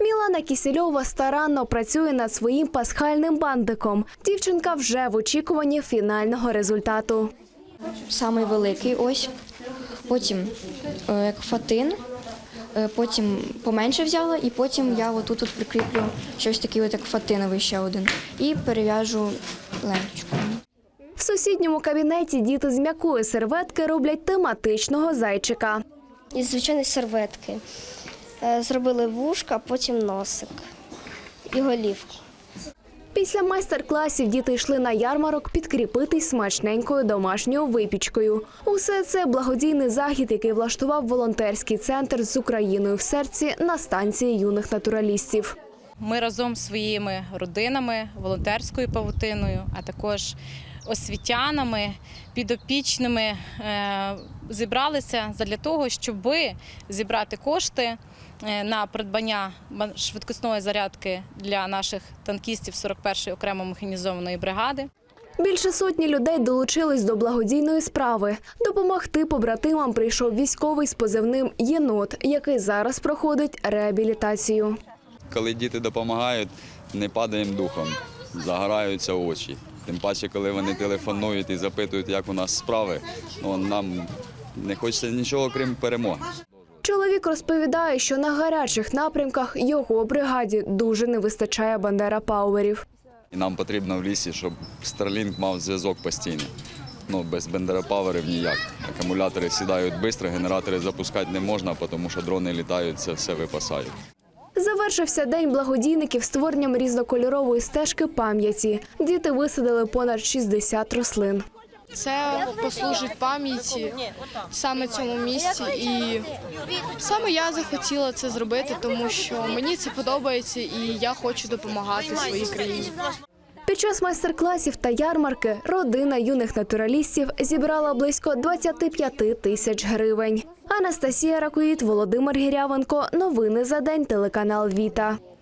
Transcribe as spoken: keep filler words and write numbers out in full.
Мілана Кісельова старанно працює над своїм пасхальним бантиком. Дівчинка вже в очікуванні фінального результату. Самий великий ось, потім е, як фатин, е, потім поменше взяла і потім я отут от прикріплю щось таке, от як фатиновий ще один, і перев'яжу ленточку. В сусідньому кабінеті діти з м'якої серветки роблять тематичного зайчика. Із звичайної серветки. Е, Зробили вушка, потім носик і голівку. Після майстер-класів діти йшли на ярмарок підкріпитись смачненькою домашньою випічкою. Усе це благодійний захід, який влаштував волонтерський центр з Україною в серці на станції юних натуралістів. Ми разом зі своїми родинами, волонтерською павутиною, а також освітянами, підопічними зібралися задля того, щоб зібрати кошти на придбання швидкісної зарядки для наших танкістів сорок першої окремо механізованої бригади. Більше сотні людей долучились до благодійної справи. Допомогти побратимам прийшов військовий з позивним «Єнот», який зараз проходить реабілітацію. Коли діти допомагають, не падаємо духом, загораються очі. Тим паче, коли вони телефонують і запитують, як у нас справи, ну, нам не хочеться нічого, крім перемоги. Чоловік розповідає, що на гарячих напрямках його бригаді дуже не вистачає бандера-пауерів. І нам потрібно в лісі, щоб Starlink мав зв'язок постійно. Ну, без бандера-пауерів ніяк. Акумулятори сідають швидко, генератори запускати не можна, тому що дрони літають, це все випасають. Завершився день благодійників створенням різнокольорової стежки пам'яті. Діти висадили понад шістдесят рослин. Це послужить пам'яті саме цьому місці, і саме я захотіла це зробити, тому що мені це подобається і я хочу допомагати своїй країні. Під час майстер-класів та ярмарки родина юних натуралістів зібрала близько двадцять п'ять тисяч гривень. Анастасія Ракоїд, Володимир Гірявенко. Новини за день, телеканал «Віта».